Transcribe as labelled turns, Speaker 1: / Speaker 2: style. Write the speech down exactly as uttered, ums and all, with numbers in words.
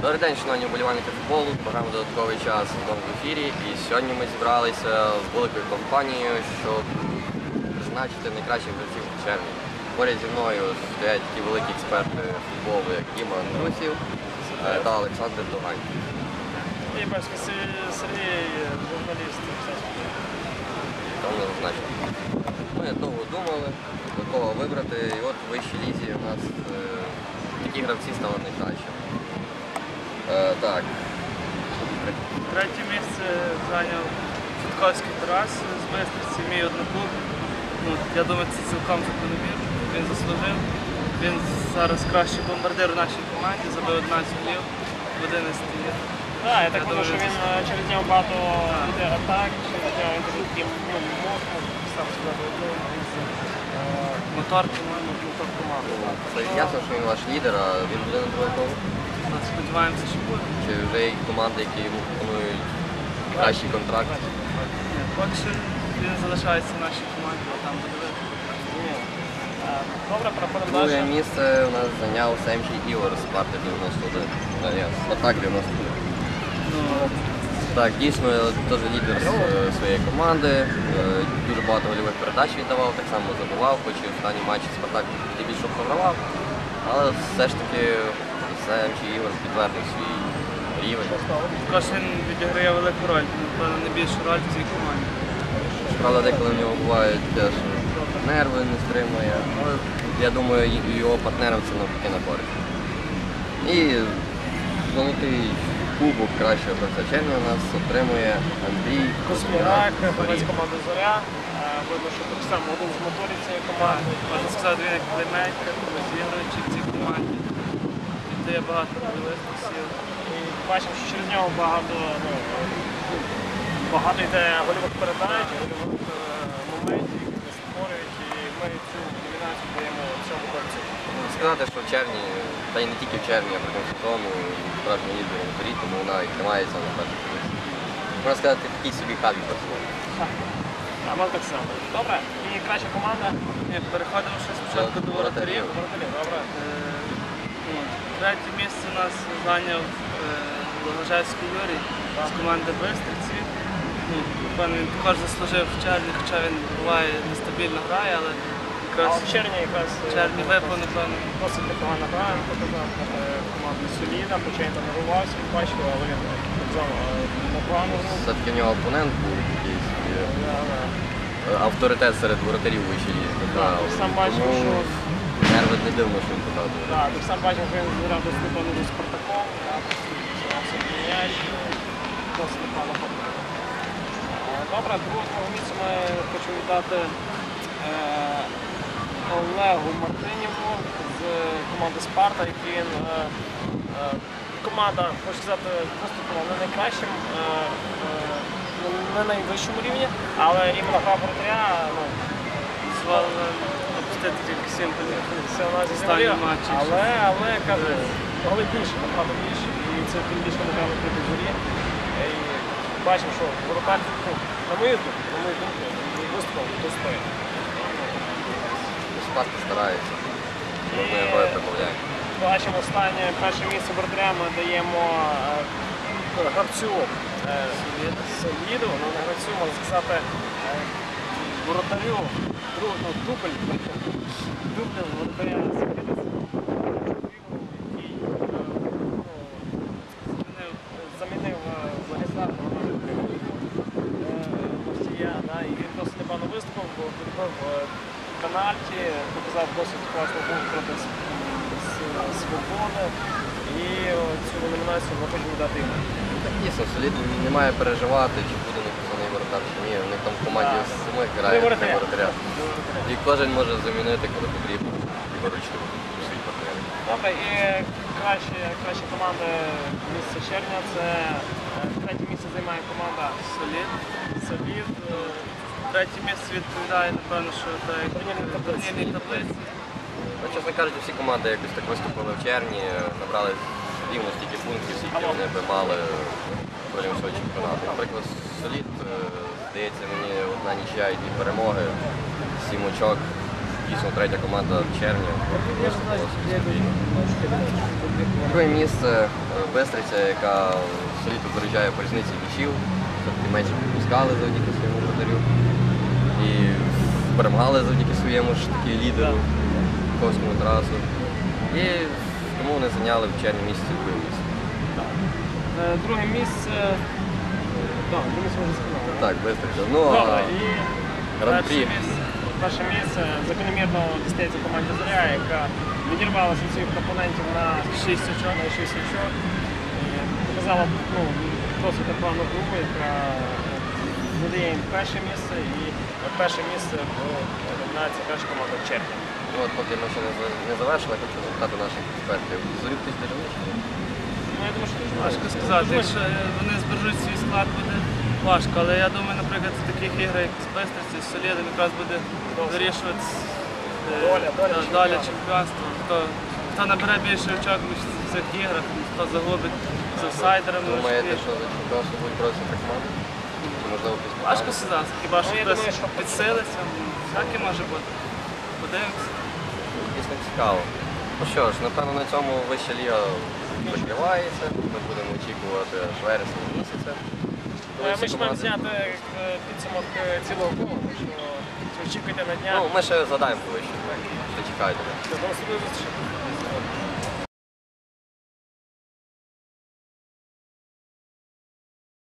Speaker 1: Добрий день, шановні вболівальники футболу, програма «Додатковий час» знову в ефірі. І сьогодні ми зібралися з великою компанією, щоб призначити найкращих гравців у червні. Поряд зі мною стоять такі великі експерти футболу, як Діма Андрусів та Олександр Тугань.
Speaker 2: І Бешки Сергій, журналіст.
Speaker 1: Там не зазначено. Ми довго думали, до кого вибрати, і от в вищій лізі у нас е, такі гравці стали найкращими. Е, так.
Speaker 2: Третє місце зайняв Федьковський Тарас з Бистриці, мій одноклуб. Ну, я думаю, це цілком закономірно. Він заслужив. Він зараз кращий бомбардир у нашій команді, забив одинадцять голів в одинадцяти іграх.
Speaker 3: Так, я так думаю, що він через нього багато йде атак, через нього він таким мозком, сам сказати, одну із
Speaker 2: Мотор, по-моєму, мотор команди.
Speaker 1: Це ясно, що він ваш лідер, а він буде на другому колу?
Speaker 2: Сподіваємося, що буде.
Speaker 1: Чи вже є команди, які йому пропонують кращий контракт?
Speaker 2: Ні, поки що він залишається в нашій команді, а там буде видно.
Speaker 3: Добре, проходимо
Speaker 1: Друге
Speaker 3: далі.
Speaker 1: місце у нас зайняв Семчий Ігор з Спарти дев'яносто один. Спартак дев'яносто один.
Speaker 2: Ну,
Speaker 1: Так, дійсно, теж лідер з, е, своєї команди, е, дуже багато гольових передач віддавав, так само забивав, хоч і в останній матчі Спартак більше програвав, але все ж таки Семчий Ігор підтвердив свій рівень.
Speaker 2: також він відіграє велику роль, напевно, найбільшу роль в цій команді.
Speaker 1: Правда, деколи в нього бувають теж нерви, не стримує, але я думаю, і його партнерам це навпаки на користь. І золотий кубок кращого гравця червня у нас отримує Андрій
Speaker 3: Космірак,
Speaker 1: Космірак.
Speaker 3: гравець команди «Зоря». Видно, що так само один з моторів цієї команди.
Speaker 2: Можна сказати, він як плеймейкер, розігруючий в цій команді. Віддає багато можливостей.
Speaker 3: І бачимо, що через нього багато, ну, багато йде гольових передач, гольових е, моментів, які вони створюють, і ми цю домінацію даємо цьому гравцю.
Speaker 1: Сказати, що в червні, та й не тільки в червні, а протягом сезону, справжній лідер у борі, тому вона і тримається на першій позиції. Можна сказати, такий собі хабі персонаж.
Speaker 3: А ми так само. Добре, і краща команда.
Speaker 2: Ні, переходимо ще спочатку до воротарів.
Speaker 3: Воротарів, добре.
Speaker 2: Е, ну, Третє місце у нас зайняв Благожевський Юрій з команди Бистриці. Ну, напевно, він також заслужив в червні, хоча він буває нестабільно грає, але
Speaker 3: А
Speaker 2: якраз
Speaker 3: в червні якраз
Speaker 2: в червні випав, напевно.
Speaker 3: досить непогана гра, він показав е, команду соліда, хоча він там не рвався, він бачив, але він показав е, непогану гру.
Speaker 1: Все-таки в нього опонент був такий собі
Speaker 3: Да, да.
Speaker 1: е, авторитет серед воротарів у вищій лізі.
Speaker 3: Так, ти сам бачив,
Speaker 1: Тому
Speaker 3: що
Speaker 1: нерви не дивно, що він показує.
Speaker 3: да, ти сам бачив, що він зіграв досить непогано з Спартаком, зігрався в м'яч, досить непогано ходив. Добре, другого місця ми хочу віддати е, Олегу Мартиніву з команди Спарта, який він е, е, команда, хочу сказати, виступила не найкращим, е, е, не найвищому рівні, але іменно гра воротаря, ну,
Speaker 2: Дозволили опустити тільки сім голів.
Speaker 3: це у нас
Speaker 2: Останній
Speaker 3: зіграє,
Speaker 2: матч.
Speaker 3: але, але, кажу, голи більше, направду більше, і це тим більше ми грали проти зорі. І бачимо, що воротар, ну, на мою думку, на мою думку, виступав достойно.
Speaker 1: Спарта старається, можна його і прибавляє.
Speaker 3: Бачимо останнє перше місце воротаря ми даємо е, гравцю е, Соліду, ну не гравцю, можна сказати, е, воротарю, друг, ну, дубль, дубль воротаря Соліда. Замінив Владислав Мостія, да, і він досить непогано виступив, бо відбив пенальті, показав досить класну гру проти Свободи. І цю номінацію ми хочемо дати йому.
Speaker 1: Так дійсно, солід не має переживати, чи буде написаний воротар, чи ні. У них там в команді
Speaker 3: Так.
Speaker 1: самих грає
Speaker 3: воротаря.
Speaker 1: воротаря. І кожен може замінити, коли потрібно, і виручити свій партнер.
Speaker 3: Добре, і краще, краща команда місця червня це е, третє місце займає команда
Speaker 2: Солід.
Speaker 3: Солід. е,
Speaker 2: Третє місце відповідає, напевно, що так,
Speaker 3: Турнірній таблиці.
Speaker 2: турнірній таблиці.
Speaker 1: Ну, чесно кажучи, всі команди якось так виступили в червні, набрали рівно стільки пунктів, скільки вони би мали протягом свого чемпіонату. Наприклад, солід, е, здається, мені одна нічия і дві перемоги, сім очок. Дійсно, третя команда в червні. Друге місце Бистриця, яка солідно переїжджає по різниці м'ячів, все-таки менше пропускали завдяки своєму вратарю. І перемагали завдяки своєму ж таки лідеру Ковському Тарасу. І тому вони зайняли в червні місяці друге місце.
Speaker 3: Е, Друге місце. Так, друге місце вже сказали.
Speaker 1: Так, Бистриця. Ну,
Speaker 3: Добре,
Speaker 1: а
Speaker 3: і
Speaker 1: гран-прі.
Speaker 2: Перше місце.
Speaker 3: перше місце закономірно дістається команді Зоря, яка відірвалася від своїх опонентів на
Speaker 2: Шість очок.
Speaker 3: на шість очок. І показала ну, досить непогану гру, яка надає їм перше місце і перше місце в номінації перша команда в червні.
Speaker 1: Ну, от поки ми ще не за- не завершили, я хочу запитати наших експертів. Зорю хтось державничий?
Speaker 3: Ну, я думаю, що дуже
Speaker 2: Важко сказати, якщо вони збережуть свій склад, буде важко. Але я думаю, наприклад, в таких іграх, як з Бистрицею, з Солідом, якраз буде вирішувати е,
Speaker 3: Доля, доля
Speaker 2: та-
Speaker 3: чемпіонату.
Speaker 2: доля чемпіонства. Хто, хто набере більше очок в цих іграх, хто загубить з аутсайдерами.
Speaker 1: Думаєте,
Speaker 2: важких.
Speaker 1: що за чемпіонство будуть боротися так команди? Чи можливо якісь
Speaker 2: Важко
Speaker 1: команди?
Speaker 2: сказати, хіба що
Speaker 3: Ну, я
Speaker 2: хтось
Speaker 3: думаю, що
Speaker 2: підсилиться, всяке може бути. Подивимося.
Speaker 1: Дійсно цікаво. Ну що ж, напевно, на цьому вища ліга закривається. Ми будемо очікувати аж вересня місяця. коли
Speaker 3: Е,
Speaker 1: всі
Speaker 3: Ми ж маємо
Speaker 1: команди-
Speaker 3: зняти е, підсумок е, цілого колу, так що очікуйте на дня.
Speaker 1: Ну, ми ще задаємо по вищій, так. Ще чекайте.
Speaker 3: До наступної зустрічі.